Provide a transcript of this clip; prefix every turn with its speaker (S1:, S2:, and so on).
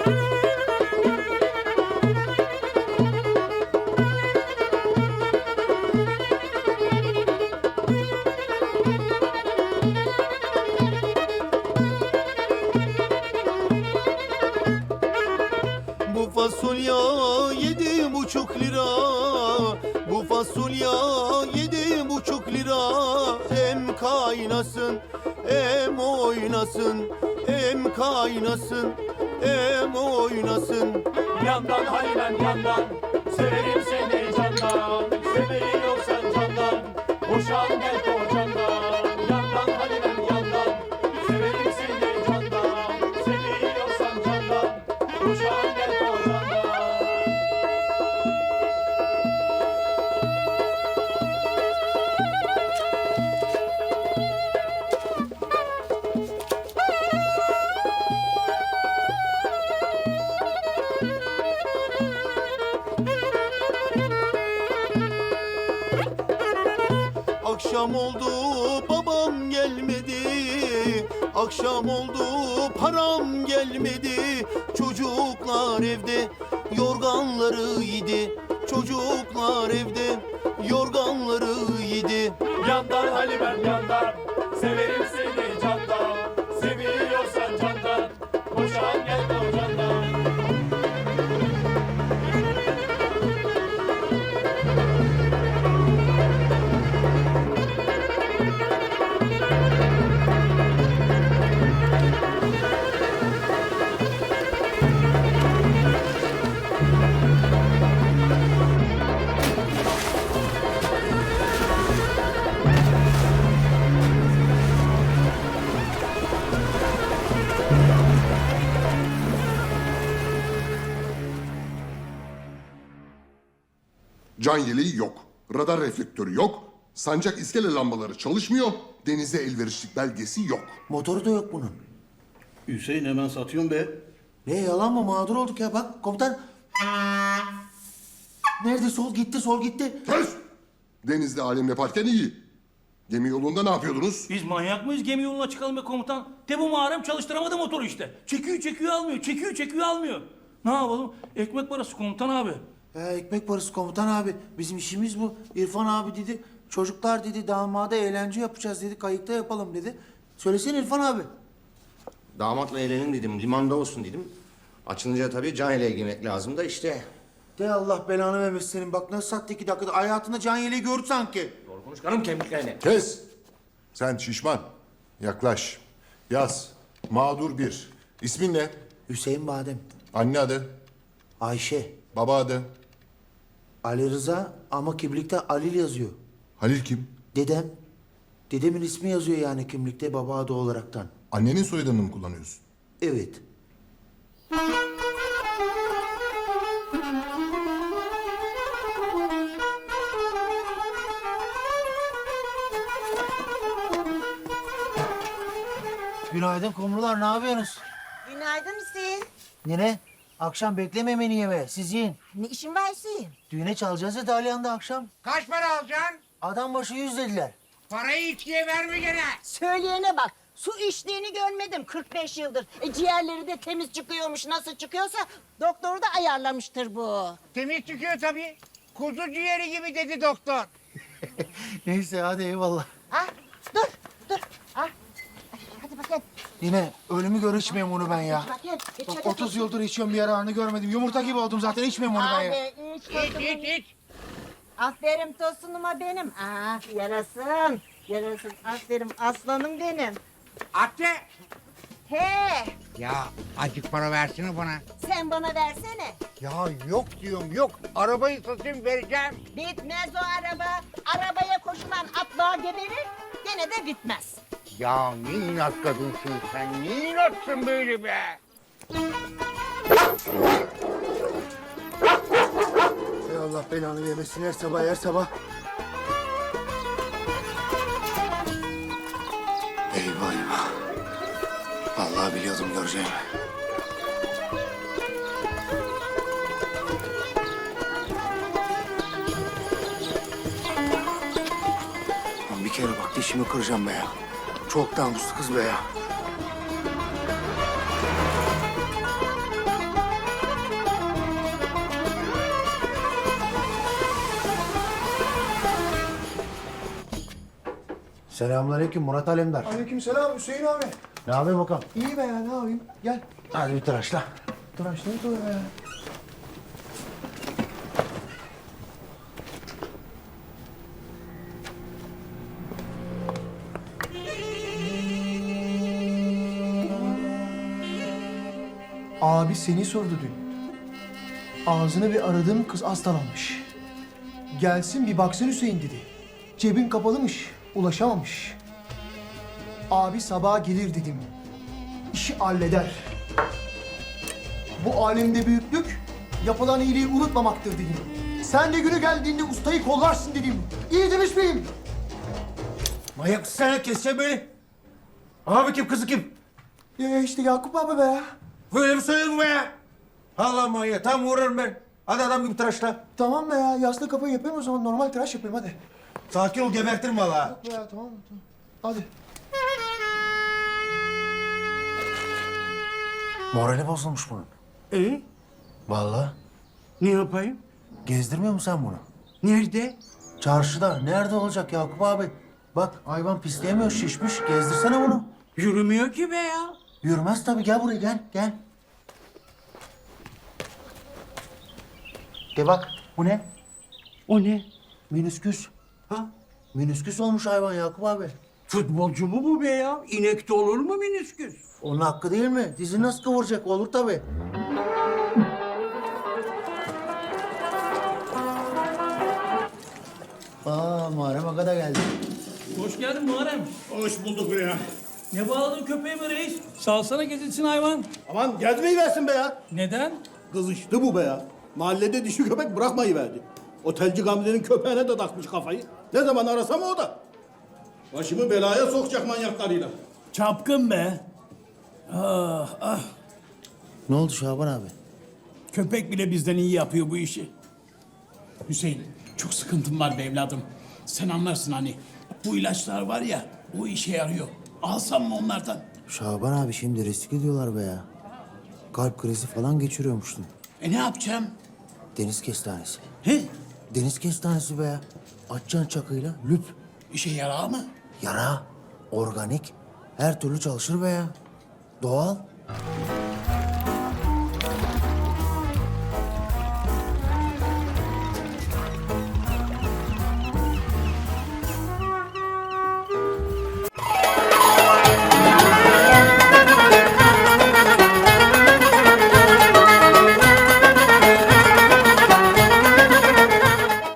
S1: Bu fasulye 7,5 lira. Bu fasulye 7,5 lira. Hem kaynasın hem oynasın. Hem kaynasın hem oynasın.
S2: Yandan Halimem yandan, severim seni candan. Seviyorsan candan, boşan gel kocandan. Yandan Halimem yandan, severim seni candan. Seviyorsan candan, boşan gel kocandan.
S1: Akşam oldu babam gelmedi. Akşam oldu param gelmedi. Çocuklar evde yorganları yedi. Çocuklar evde yorganları yedi.
S2: Yandan Halimem yandan, severim seni candan. Seviyorsan candan, boşan gel kocandan.
S3: Can yeleği yok. Radar reflektörü yok. Sancak iskele lambaları çalışmıyor. Denize elverişlik belgesi yok.
S4: Motoru da yok bunun.
S5: Hüseyin hemen satıyorsun be.
S4: Ne yalan mı? Mağdur olduk ya. Bak komutan. Nerede? Sol gitti, sol gitti.
S3: Kes! Denizde alem yaparken iyi. Gemi yolunda ne yapıyordunuz?
S5: Biz manyak mıyız gemi yoluna çıkalım be komutan? De bu mağaram çalıştıramadı motoru işte. Çekiyor almıyor, çekiyor almıyor. Ne yapalım? Ekmek parası komutan abi.
S4: Ekmek parası komutan abi. Bizim işimiz bu. İrfan abi dedi. Çocuklar dedi damada eğlence yapacağız dedi. Kayıkta yapalım dedi. Söylesene İrfan abi.
S6: Damatla eğlenin dedim, limanda olsun dedim. Açılınca tabii can yeleği giymek lazım da işte.
S4: De Allah belanı vermesin senin. Bak nasıl sattı 2 dakikada. Hayatında can yeleği gördü sanki.
S6: Doğru konuş karım kemiklerini.
S7: Kes! Sen şişman. Yaklaş. Yaz. Mağdur 1. İsmin ne?
S4: Hüseyin Badem.
S7: Anne adı.
S4: Ayşe.
S7: Baba adı.
S4: Ali Rıza ama kimlikte Halil yazıyor.
S7: Halil kim?
S4: Dedem. Dedemin ismi yazıyor yani kimlikte baba adı olaraktan.
S7: Annenin soyadını mı kullanıyorsun?
S4: Evet. Günaydın kumrular, ne yapıyorsunuz?
S8: Günaydın Hüseyin.
S4: Nene, akşam bekleme beni yemeğe, siz yiyin.
S8: Ne işin var Hüseyin?
S4: Düğüne çalacağız ya Dalyan'da akşam.
S9: Kaç para alacaksın?
S4: Adam başı 100 dediler.
S9: Parayı içkiye verme gene.
S8: Söyleyene bak. Su içtiğini görmedim 45 yıldır. Ciğerleri de temiz çıkıyormuş. Nasıl çıkıyorsa doktoru da ayarlamıştır bu.
S9: Temiz çıkıyor tabii. Kuzu ciğeri gibi dedi doktor.
S4: Neyse hadi eyvallah.
S8: Ha? Dur. Ha? Hadi bakayım.
S4: Yine ölümü gör içmeyeyim onu ben ya.
S8: Bakayım. İç
S4: Bak
S8: hadi.
S4: 30 yıldır içiyorum bir yararını görmedim. Yumurta gibi oldum zaten içmeyeyim onu ben ya.
S8: Abi iç tosunum.
S9: İç.
S8: Aferin tosunuma benim. Yarasın. Aferin aslanım benim.
S9: Atı.
S8: He.
S9: Ya azıcık para versene bana.
S8: Sen bana versene.
S9: Ya yok diyorum yok. Arabayı satayım vereceğim.
S8: Bitmez o araba. Arabaya koşulan atlığa geberir. Gene de bitmez.
S9: Ya ne inat kadınsın sen. Ne inatsın böyle be.
S4: Ey Allah belanı vermesin her sabah.
S1: Eyvah. Vallahi biliyordum göreceğimi. Lan bir kere bak dişimi kıracağım be ya. Çok namuslu kız be ya.
S4: Selamünaleyküm Murat Alemdar.
S10: Aleykümselam Hüseyin abi.
S4: Ne yapayım bakalım?
S10: İyi be ya ne yapayım? Gel.
S4: Hadi bir tıraşla.
S10: Tıraşlayıp öyle ya. Abi seni sordu dün. Ağzını bir aradığım kız hastalanmış. Gelsin bir baksın Hüseyin dedi. Cebin kapalımış, ulaşamamış. Abi sabaha gelir dedim. İşi halleder. Bu alemde büyüklük yapılan iyiliği unutmamaktır dedim. Sen de günü geldiğinde ustayı kollarsın dedim. İyi demiş miyim?
S4: Manyak sen keseceğim beni. Abi kim kızı kim?
S10: Ya işte Yakup abi be ya.
S4: Böyle mi söyledin be ya? Allah manyak tam vururum ben. Hadi adam gibi tıraşla.
S10: Tamam be ya yaslı kafayı yapayım o zaman normal tıraş yapayım hadi.
S4: Sakin ol gebertirim valla.
S10: Be ya tamam tamam. Hadi.
S4: Morali bozulmuş bunun. Vallahi.
S9: Ne yapayım?
S4: Gezdirmiyor musun sen bunu?
S9: Nerede?
S4: Çarşıda. Nerede olacak Yakup abi? Bak hayvan pisleyemiyor şişmiş. Gezdirsene bunu.
S9: Yürümüyor ki be ya.
S4: Yürümez tabii. Gel buraya gel. Gel. De bak. Bu ne?
S9: O ne?
S4: Minüsküs.
S9: Ha?
S4: Minüsküs olmuş hayvan Yakup abi.
S9: Futbolcu mu bu be ya? İnek de olur mu minisküs?
S4: Onun hakkı değil mi? Dizini nasıl kıvıracak? Olur tabii. Muharrem Aga da geldi.
S5: Hoş geldin Muharrem.
S2: Hoş bulduk be ya.
S5: Ne bağladın köpeği be reis? Salsana gezinsin hayvan.
S2: Aman gezmeyi versin be ya.
S5: Neden?
S2: Kızıştı bu be ya. Mahallede dişi köpek bırakmayı verdi. Otelci Gamze'nin köpeğine de takmış kafayı. Ne zaman arasam o da. Başımı belaya sokacak manyaklarıyla.
S11: Çapkın be. Ah ah.
S4: Ne oldu Şaban abi?
S11: Köpek bile bizden iyi yapıyor bu işi. Hüseyin çok sıkıntım var be evladım. Sen anlarsın hani. Bu ilaçlar var ya o işe yarıyor. Alsam mı onlardan?
S4: Şaban abi şimdi risk ediyorlar be ya. Kalp krizi falan geçiriyormuştun.
S11: Ne yapacağım?
S4: Deniz kestanesi.
S11: He?
S4: Deniz kestanesi be ya. Açacaksın çakıyla lüp.
S11: İşe yarar mı?
S4: Yara, organik, her türlü çalışır be ya. Doğal.